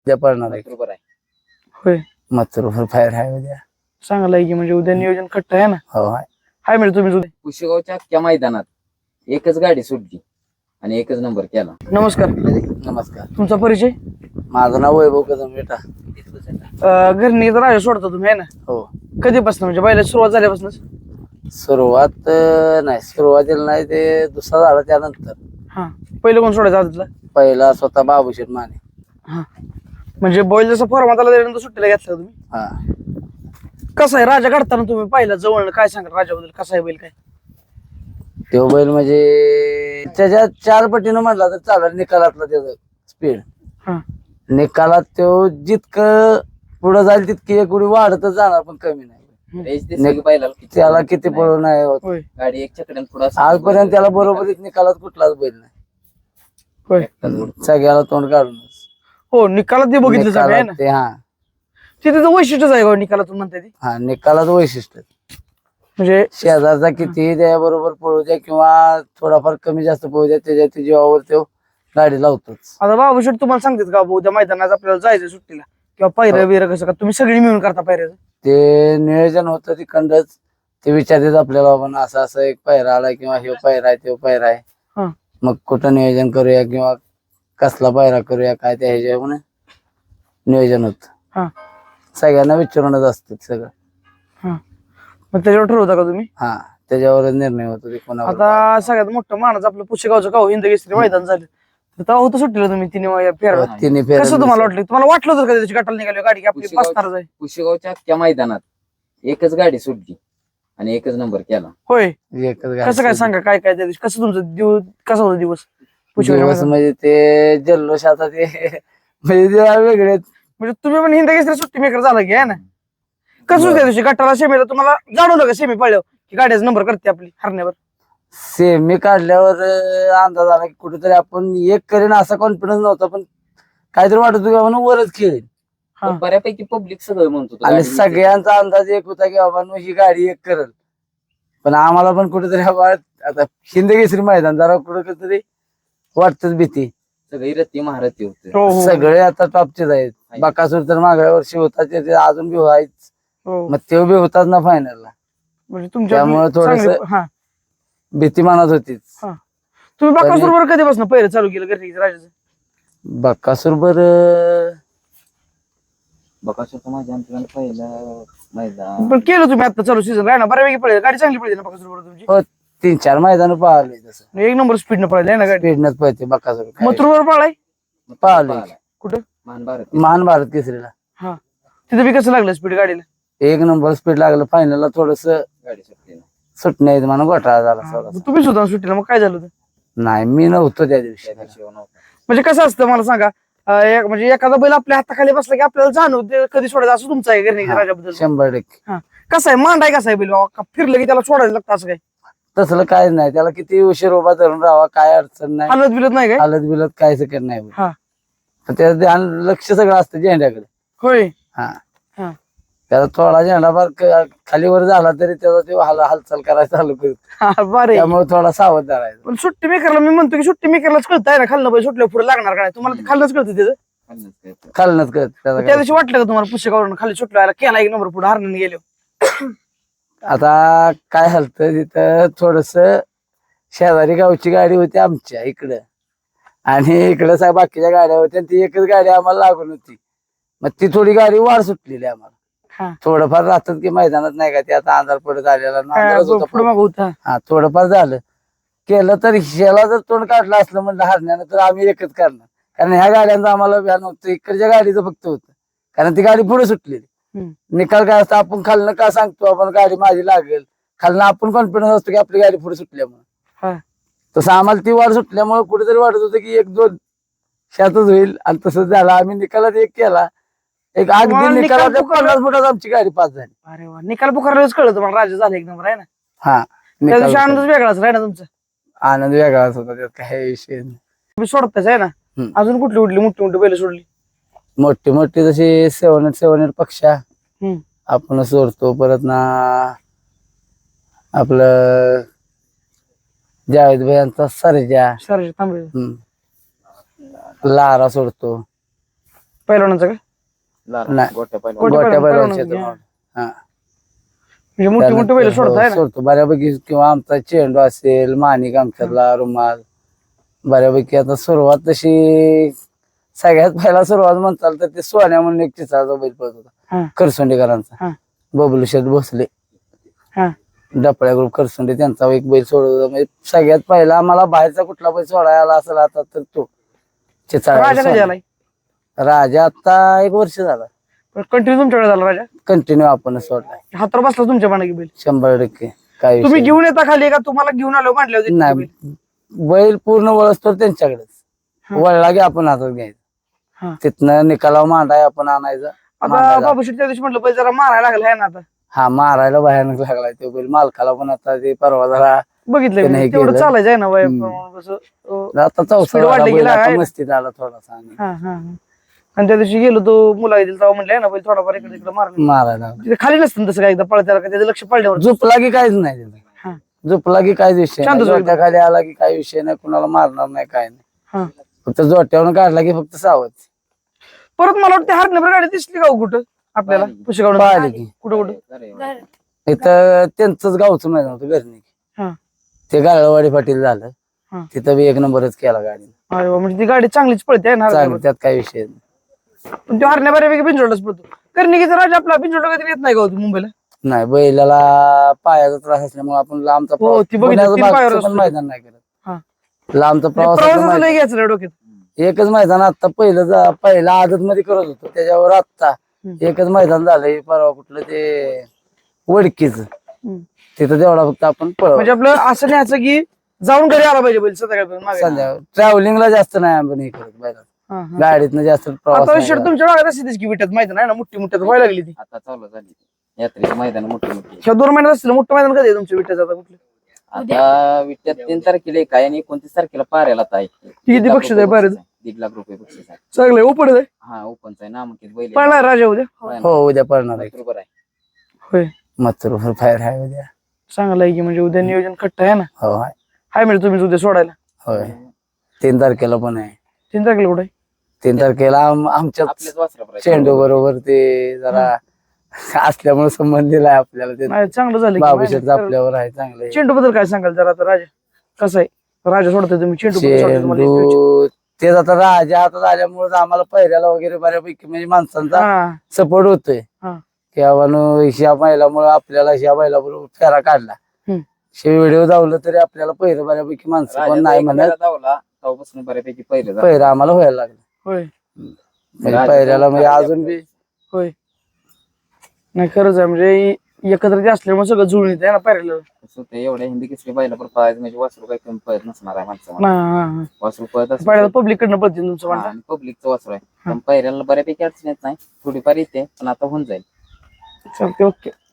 उद्या पडणार आहे. बरोबर आहे. होय, मथुरभर फायर आहे उद्या. चांगलं आहे की म्हणजे उद्या नियोजन खट्ट आहे ना. हो आहे. हाय म्हणजे तुम्ही उद्या. कुशेगावच्या अख्ख्या मैदानात एकच गाडी सुटली आणि एकच नंबर केला. नमस्कार, नमस्कार. तुमचा परिचय? माझं नाव वैभव कदम बेटा. घरनी राजा सोडता तुम्ही आहे ना. हो. कधीपासून म्हणजे बैलाची सुरुवात झाल्यापासून? सुरुवात नाही, सुरुवातीला नाही, ते दुसरा झाला त्यानंतर. हा, पहिलं कोण सोडायचं आदतला? पहिला स्वतः बाबूशेठ माने. हा, म्हणजे बैल जसा फॉर्मात आला त्यानंतर सुट्टीला घेतला तुम्ही. हा. कसा आहे राजा काढताना तुम्ही पाहिला जवळ, काय सांगाल राजाबद्दल? कसा आहे बैल, काय? तो बैल म्हणजे त्याच्या 4 पटीनं म्हटला तर चालेल. निकालातला त्याचा स्पीड, हा, निकालात तो जितकं पुढे जाईल तितकी एक उडी वाढतच जाणार, पण कमी नाही. रेस दिसली की बैलाला किती त्याला किती पळू नाही होत. होय गाडी एक चकड्यान पुढे आजपर्यंत त्याला बरोबरीत निकालात कुठलाच बैल नाही. होय. सगळ्याला तोंड काढूनच हो, निकालात ते बघितलं सगळं आहे ना. निकालात ते. हा ते त्याचं वैशिष्ट्यच आहे का निकालातून म्हणताय ते? हा, निकालात वैशिष्ट्य. म्हणजे शेजारचा किती त्या बरोबर पळू द्या किंवा थोडाफार कमी जास्त पळू द्या, त्याच्या जीवावर तो गाडी लावतोच. आता बाबा शेट तुम्हाला सांगतात का उद्या मैदानात आपल्याला जायचं सुट्टीला किंवा पायऱ्या बिरं कसं का तुम्ही सगळी मिळून करता पायऱ्याचं? ते नियोजन होतं तिकडच. ते विचारतात आपल्याला, बाबा असं असं एक पायरा आला किंवा हे पायरा आहे तो पायरा आहे, हा, मग कुठं नियोजन करूया किंवा कसला पायरा करूया, काय त्या ह्याच्यावर नियोजन होत. हा, सगळ्यांना विचारूनच असतं सगळं. हा, मग त्याच्यावर ठरवता का तुम्ही? हा, त्याच्यावरच निर्णय होतो ते कोणावर. आता सगळ्यात मोठं मानाचं आपलं पुशेगावचं गाव हिंदकेसरी मैदान झालं, तर तेव्हा होतं सुट्टीला तुम्ही तिने फेरा. तिन्ही कसं तुम्हाला फेऱ्या वाटलं? तुम्हाला वाटलं होतं का त्याची गटाला निघाली गाडी की आपली पुशेगाव- 5 तारच आहे? कुशेगावच्या अख्ख्या मैदानात एकच गाडी सुटली आणि एकच नंबर केला. होय, एकच गाडी कसं काय सोडली. सांगा, काय काय त्या दिवशी कसं तुमचं दिवस, कसा होता दिवस पुशेगावच्या दिवस मैदानात? म्हणजे ते जल्लोष आता ते म्हणजे ते वेगळेच. म्हणजे तुम्ही पण हिंदकेसरी सुट्टी मेकर झाला की आहे ना. कसं होतं त्या दिवशी गटाला सेमीला तुम्हाला जाणवलं का सेमी पळल्यावर की गाड्याचा नंबर करते आपली हरण्यावर? सेमी काढल्यावर अंदाज आला की कुठेतरी आपण एक करेन असा कॉन्फिडन्स नव्हता, पण काहीतरी वाटत होतं की आपण वरच खेळेल. हा. पण बऱ्यापैकी पब्लिक सगळं म्हणतो तो आणि गाडी निघते. सगळ्यांचा अंदाज एक होता की बाबा ही गाडी एक करल, पण आम्हाला पण कुठेतरी आता हिंदकेसरी मैदान जरा कुठेतरी वाटतच भीती. सगळी रत्ती महारथी होते. हो, हो, सगळे आता टॉपचेच आहेत. बकासूर तर मागल्या वर्षी होता, ते अजून बी आहेच. हो. मग ते बी होताच ना फायनलला. म्हणजे तुमच्या त्यामुळे थोडंसं- हा, भीती मनात होतीच. हा. तुम्ही बाकासूर बरोबर कधीपासून पहिलं चालू केलं घरी राजाचं? बकासूर बर बकासूरचं माझ्या आमच्या पहिलं मैदान पण केलं तुम्ही आता चालू सीझन आहे ना, बऱ्यापैकी पळेल गाडी, चांगली पळते ना बाकासूर बरोबर तुमची? हो, 3-4 मैदान पाहिले तसं. एक नंबर स्पीडनं पळाली आहे ना गाडी. स्पीडनच पळते बकासूर. मथुर बरोबर पळाय पाहिलं कुठं? महान भारत महान भारत केसरीला हा, तिथं बी कसं लागलं स्पीड गाडीला? एक नंबर स्पीड लागलं. फायनलला थोडस गाडी सुटली ना. सुटण्यात म्हणून घोटाळा झाला हा, थोडासा. तुम्ही सुद्धा सुट्टीला मग काय झालं होतं? नाही, मी नव्हतो त्या दिवशी. त्या दिवशी नव्हता. म्हणजे कसं असतं मला सांगा, म्हणजे एखादा बैल आपल्या हाताखाली बसला की आपल्याला जाणवते कधी सोडायचं, असं तुमचं आहे घरी हा, राजाबद्दल? 100%. हा, कसं आहे मांडाय, कसं आहे बैल बाबा? का फिरलं की त्याला सोडायला लागतं असं काय? तसलं काय नाही, त्याला किती उशीर उभा धरून राहावा, काय अडचण नाही. हालत बिलत नाही काय? हालत बिलत काय सकत नाही. हा, पण त्याचं ध्यान लक्ष सगळं असतं झेंड्याकडे. होय. हा, हा, त्याला थोडा झेंडा फार खाली वर झाला तरी त्याचा ते हालचाल करायला चालू करतो. हा, बरं. त्यामुळे थोडा सावध धरायचा. पण सुट्टी मेकरला मी म्हणतो की सुट्टी मेकरलाच कळतंय ना खाल्लं पाहिजे, सुटल्या पुढे लागणार काय? तुम्हाला ते खाल्लंच कळतं त्याचं? खाल्लंच काय तर. खालनच करत त्या त्याचा. दिवशी वाटलं का तुम्हाला पुस्तकावरून खाली सुटला केला एक नंबर पुढे हरण्याने गेलो? आता काय झालं तिथं थोडस शेजारी गावची गाडी होती आमच्या इकडं, आणि इकडं बाकीच्या गाड्या होत्या. ती एकच गाडी आम्हाला लागून होती. मग ती थोडी गाडी वाढ सुटलेली आम्हाला. हा, थोडंफार राहतात की मैदानात नाही का, ते आता अंधार पडत आलेला ना, अंधारच होता पुढे माग होता. हा, थोडंफार झालं केलं तर ह्याला जर तोंड काढलं असलं म्हणलं हरण्यानं, तर आम्ही एकच करणार. कारण ह्या गाड्यांचं आम्हाला व्यान होतं, इकडच्या गाडीचं फक्त होतं, कारण ती गाडी पुढे सुटलेली. हम्म. निकाल काय असतं, आपण खालनं का सांगतो आपण गाडी माझी लागेल, खालनं आपण कॉन्फिडन्स असतो की आपली गाडी पुढे सुटल्यामुळे. हा, तसं आम्हाला ती वाढ सुटल्यामुळे कुठेतरी वाटत होतं की 1-2 शातच होईल, आणि तसंच झालं. आम्ही निकालात एक केला, एक अगदी तुम्हाला निकाल निकालात पुकारला- 50 फुटात आमची गाडी पास झाली. अरे वा, निकाल पुकारल्याच कळलं तुम्हाला राजा झाला एक नंबर आहे ना? हा, त्या दिवशी निकाल आनंदच वेगळाच राही ना तुमचा? आनंद वेगळाच होता, त्यात काही विषय नाही. तुम्ही सोडताच आहे ना? हम्म. अजून कुठली कुठली मोठी मोठी बैल सोडली? मोठी मोठी जशी 7 पक्षा हम्म. आपण सोडतो. परत ना आपलं जावेद भाईंचा सर्जा, सरजे तांबे. लारा सोडतो. पहिलवानाचा का नाही. गोट्या पहिला गोट्या गोट्या पहिलवान बैलांच्या घ्या. हातून. हा. म्हणजे मोठी मोठी बैल सोडताय ना सोडतो बऱ्यापैकी, किंवा आमचा चेंडू असेल, माणिक आमच्यातला, रुमाल, बऱ्यापैकी आता सुरुवात तशी सगळ्यात पहिला सुरुवात म्हणताल तर ते सोन्या म्हणून एक चित्राचा बैल पळत हा. होता करसुंडेकरांचा, हा. बबलू शेठ भोसले, हा डपळ्या ग्रुप करसुंडे, त्यांचा एक बैल सोडत होता. म्हणजे सगळ्यात पहिला आम्हाला बाहेरचा कुठला बैल सोडायला आला असेल आता तर तो राजा कधी आलाय राजा आता 1 वर्ष झाला कंटिन्यू तुमच्याकडे झाला राजा कंटिन्यू आपण सोडलाय. हातावर बसला तुमच्या पानाकी बैल 100% काय तुम्ही विषय घेऊन येता खाली का तुम्हाला घेऊन आलो म्हटले होते नाही. बैल? बैल पूर्ण वळसतो त्यांच्याकडेच, हा. वळला की आपण हातात हा. घ्यायचं, तिथनं निकालावर मांडाय आपण आणायचा. आता मांडायला. बाबू शेट्टी त्या दिवशी म्हटलं बैल जरा मारायला लागला आहे ना आता हा, मारायला भयानक लागलाय तो बैल. मालकाला पण आता ते परवा जरा बघितलंय ते मी. नाही तेवढं केलं. चालायचं आहे ना वय हम्म. कसं आता Speed चौसा वाढली गेला आहे. मस्तीत आला थोडासा आणि हा हा हा. आणि त्या दिवशी गेलो तो मुला येतील तेव्हा म्हणले ना बैल थोडाफार इकडे तिकडे मारला मारायला लागला. तिथे खाली नसतं तसं काय एकदा पळत्याला का त्याचं लक्ष पडल्यावर झोपला की काहीच नाही तिथं. हा. झोपला की काहीच विषय शांत नाही. झोप. जोट्या खाली आला की काही विषय नाही, कुणाला मारणार नाही, काय नाही. हा फक्त जोट्यावरून काढला की फक्त सावध. परत मला वाटतं हरण्यावर गाडी दिसली का हो कुठं आपल्याला पाहिली. पुशेगावला पाहिली की. कुठं कुठं इथं त्यांचंच गावचं मैदान होतं घरणी, हा ते गाळवाडी पाटील झालं, हा. तिथं बी 1 नंबरच केला गाडी. अरे वा, म्हणजे ती गाडी चांगलीच पळते आहे ना चांगली, हरण्यावर. त्यात काही विषय नाही. पण तो हरण्या बऱ्यापैकी बिंजोडलाच पळतो कर्णिकीचा राजा आपला बिंजोडला कधी येत नाही का हो मुंबईला नाही, बैलाला पायाचा त्रास असल्यामुळे आपण लांबचा हो, प्रवास, ती बघितली, पुण्याचं 3 पायावर मागचं पण असतो. मैदान नाही हा. करत. लांबचा प्रवास प्रवासाचं लय घ्यायचं नाही डोक्यात एकच मैदान आता पहिला आदत मध्ये करत होतो, त्याच्यावर आता एकच मैदान झालंय परवा कुठलं ते वडकीच, हम्म. तिथं तेवढा फक्त आपण पळव. म्हणजे आपलं असं न्यायचं की जाऊन घरी आला पाहिजे बैल संध्याकाळपर्यंत मागे. संध्या ट्रॅव्हलिंगला जास्त नाही आपण हे करत बैलात, हा, हा. गाडीतनं जास्त प्रवास आता नाही विषय करत. तुमच्या भागात असेल की विट्यात माहिती नाही ना मोठी मोठ्यात व्हायला लागली ती आता चालू झाली यात्रेची मैदान मोठी मोठी ह्या 2 महिन्यात असतील मोठं मैदान कधी आहे तुमच्या विट्याचं आता कुठलं आता विट्यात 3 तारखेला एक आहे आणि 29 तारखेला पाऱ्याला आहे. किती बक्षीस आहे पाऱ्याचं? 1.5 लाख रुपये बक्षीस आहे. चांगलं ओपन आहे हा ओपनचा आहे, नामांकित बैल आहे. पळणार राजा उद्या हो, उद्या पळणार आहे. बरोबर आहे. होय मथुर फायर आहे उद्या. चांगलं आहे की म्हणजे उद्या नियोजन खट्ट आहे ना हो आहे. हाय म्हणजे तुम्ही उद्या सोडायला होय, 3 तारखेला पण आहे. 3 तारखेला कुठे 3 तारखेला आमच्या आपल्याच वासरा चेंडू बरोबर ते जरा असल्यामुळे संबंध दिलाय आपल्याला. ते नाही चांगलं झालं की बाबूशेठ माहिती. आपल्यावर आहे चांगलं. चेंडू बद्दल काय सांगाल जरा आता राजा कसं आहे राजा सोडतोय तुम्ही चेंडू बद्दल सोडताय तुम्हाला एक विचार. चेंडू तेच आता राजा हातात आल्यामुळे आम्हाला पहिल्याला वगैरे बऱ्यापैकी म्हणजे माणसांचा हा सपोर्ट होतोय हा की बाबा ह्या बैलामुळे आपल्याला ह्या बैलाबरोबर फेरा काढला, हम्म. हे व्हिडिओ धावलं तरी आपल्याला पहिलं बऱ्यापैकी माणसं पण नाही म्हणत, धावला तेव्हापासून बऱ्यापैकी पहिलं झालं. पहिलं आम्हाला व्हायला लागलं. होय म्हणजे पहिल्याला म्हणजे अजून बी होय नाही खरंच आहे म्हणजे एकत्र ते असल्यामुळे सगळं जुळून येते ना पाहिलं कसं होतं, एवढ्या हिंदी किसरी बैला पण पळायचं म्हणजे वासरू काही कमी पळत नसणार आहे माणसं. वासरू पळत पाहिलं पब्लिक कडनं पळते तुमचं म्हणणं आणि पब्लिकचं वासरू आहे पण पहिल्याला बऱ्यापैकी अडचण येत नाही, थोडीफार येते पण आता होऊन जाईल. चालते ओके